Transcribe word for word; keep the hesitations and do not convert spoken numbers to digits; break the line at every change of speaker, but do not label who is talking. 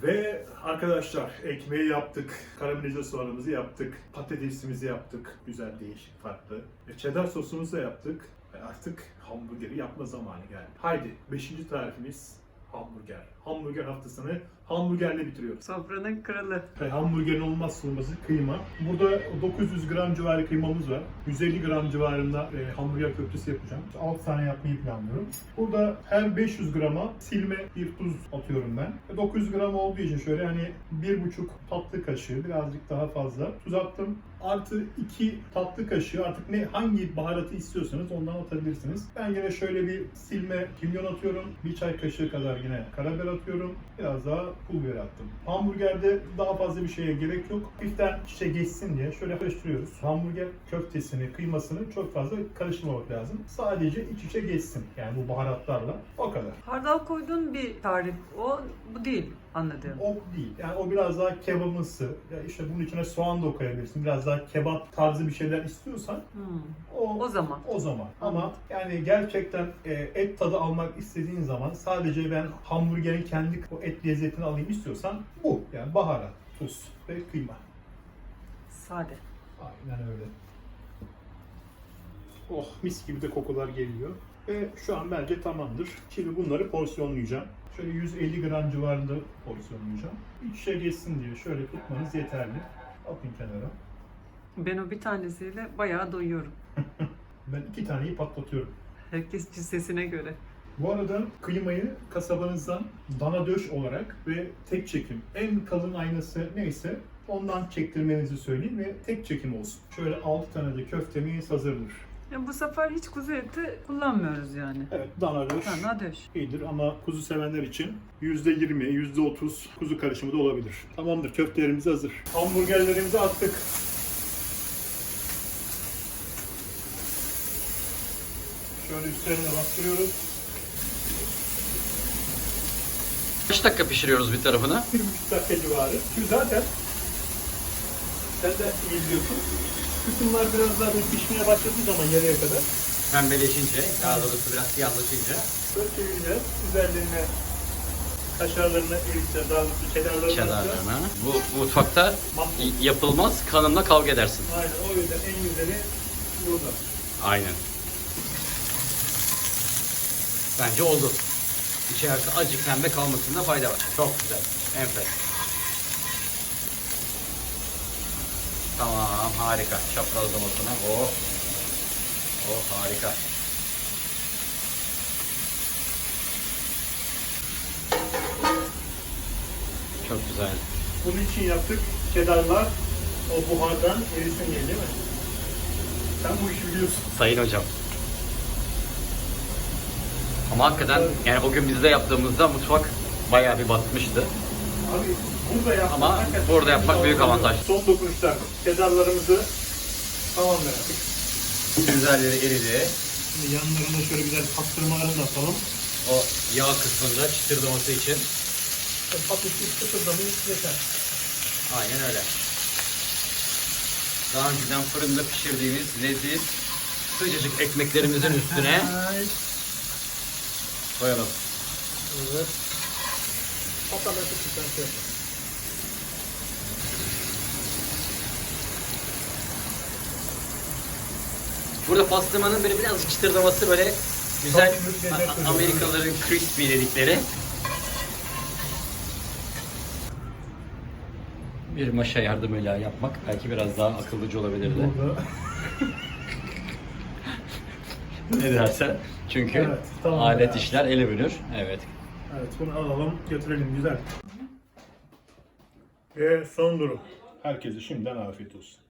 Ve arkadaşlar ekmeği yaptık, karamelize soğanımızı yaptık, patatesimizi yaptık, güzel, değişik, farklı. E, cheddar sosumuzu da yaptık. E, artık hamburgeri yapma zamanı geldi. Haydi beşinci tarifimiz hamburger. Hamburger haftasını hamburgerle bitiriyoruz.
Sofranın kralı.
E, hamburgerin olmazsa olmazı kıyma. Burada dokuz yüz gram civarı kıymamız var. yüz elli gram civarında e, hamburger köftesi yapacağım. altı tane yapmayı planlıyorum. Burada her beş yüz grama silme bir tuz atıyorum ben. E, dokuz yüz gram olduğu için şöyle hani bir buçuk tatlı kaşığı, birazcık daha fazla tuz attım. Artı iki tatlı kaşığı, artık ne hangi baharatı istiyorsanız ondan atabilirsiniz. Ben yine şöyle bir silme kimyon atıyorum. Bir çay kaşığı kadar yine karabiber atıyorum. Biraz daha pul biber attım. Hamburgerde daha fazla bir şeye gerek yok. Hafiften şişe geçsin diye şöyle karıştırıyoruz. Hamburger köftesini, kıymasını çok fazla karıştırmamak lazım. Sadece iç içe geçsin. Yani bu baharatlarla. O kadar.
Hardal koyduğun bir tarif. O bu değil anladığım.
O değil. Yani o biraz daha kebabımsı. Ya işte bunun içine soğan da koyabilirsin. Biraz daha kebap tarzı bir şeyler istiyorsan
Hmm.
o,
O zaman.
o zaman. Ama yani gerçekten e, et tadı almak istediğin zaman sadece ben hamburgerin kendi o et lezzetini alayım istiyorsan bu. Yani baharat, tuz ve kıyma.
Sade.
Aynen öyle. Oh, mis gibi de kokular geliyor. Ve şu an bence tamamdır. Şimdi bunları porsiyonlayacağım. Şöyle yüz elli gram civarında porsiyonlayacağım. İç içe geçsin diye şöyle tutmanız yeterli. Atın kenara.
Ben o bir tanesiyle bayağı doyuyorum.
Ben iki taneyi patlatıyorum.
Herkes cüssesine göre.
Bu arada kıymayı kasabanızdan dana döş olarak ve tek çekim, en kalın aynası neyse ondan çektirmenizi söyleyeyim ve tek çekim olsun. Şöyle altı tane de köftemiz hazırdır.
Ya bu sefer hiç kuzu eti kullanmıyoruz yani.
Evet, dana döş
Dana döş.
iyidir ama kuzu sevenler için yüzde yirmi, yüzde otuz kuzu karışımı da olabilir. Tamamdır, köftelerimiz hazır. Hamburgerlerimizi attık. Şöyle üstlerine bastırıyoruz.
Kaç dakika pişiriyoruz bir tarafını?
Bir buçuk dakika civarı. Çünkü zaten sen de iyi biliyorsun. Kısımlar biraz daha böyle pişmeye başladığı zaman yarıya kadar
Pembeleşince, daha doğrusu biraz siyahlaşınca
böyle çevireceğiz. Üzerlerine kaşarlarını eriteceğiz. Daha doğrusu çedarlarını
çedarlarına. Bu mutfakta
mahvolur.
yapılmaz, kanınla kavga edersin.
Aynen, o yüzden en güzeli burada.
Aynen. Bence oldu. İçerisi acık pembe kalmasında fayda var. Çok güzel. Enfes. Tamam, harika. Çaprazlamasına. Oh. Oh, harika. Çok güzel.
Bunun için yaptık. Çedarlar o buhardan erisin diye, değil mi? Sen bu işi biliyorsun.
Sayın hocam. Ama hakikaten yani o gün bizde yaptığımızda mutfak bayağı bir batmıştı.
Abi burada yapmak,
Ama
hakikaten
burada yapmak büyük avantaj.
Son dokunuşlar. Çedarlarımızı tamamladık.
Üzerleri eridi.
Şimdi yanlarına şöyle güzel pastırmalarını da atalım.
O yağ kısmında çıtırdaması için.
Hafif bir sıfırlamayı yeter.
Aynen öyle. Daha önceden fırında pişirdiğimiz leziz sıcacık ekmeklerimizin üstüne koyalım.
Evet. Hatta ben çok güzel şey yapayım.
Burada pastırmanın böyle birazcık çıtırdaması böyle güzel
Çok büyük lezzet
A-
veriyor.
Amerikalıların crispy dedikleri. Bir maşa yardımıyla yapmak belki biraz daha akıllıca olabilirdi.
Burada.
Ne dersen. Çünkü
Evet, tamam
alet
ya.
işler ele bölür. Evet.
Evet, bunu alalım, götürelim, güzel. Ve son durum. Herkese şimdiden afiyet olsun.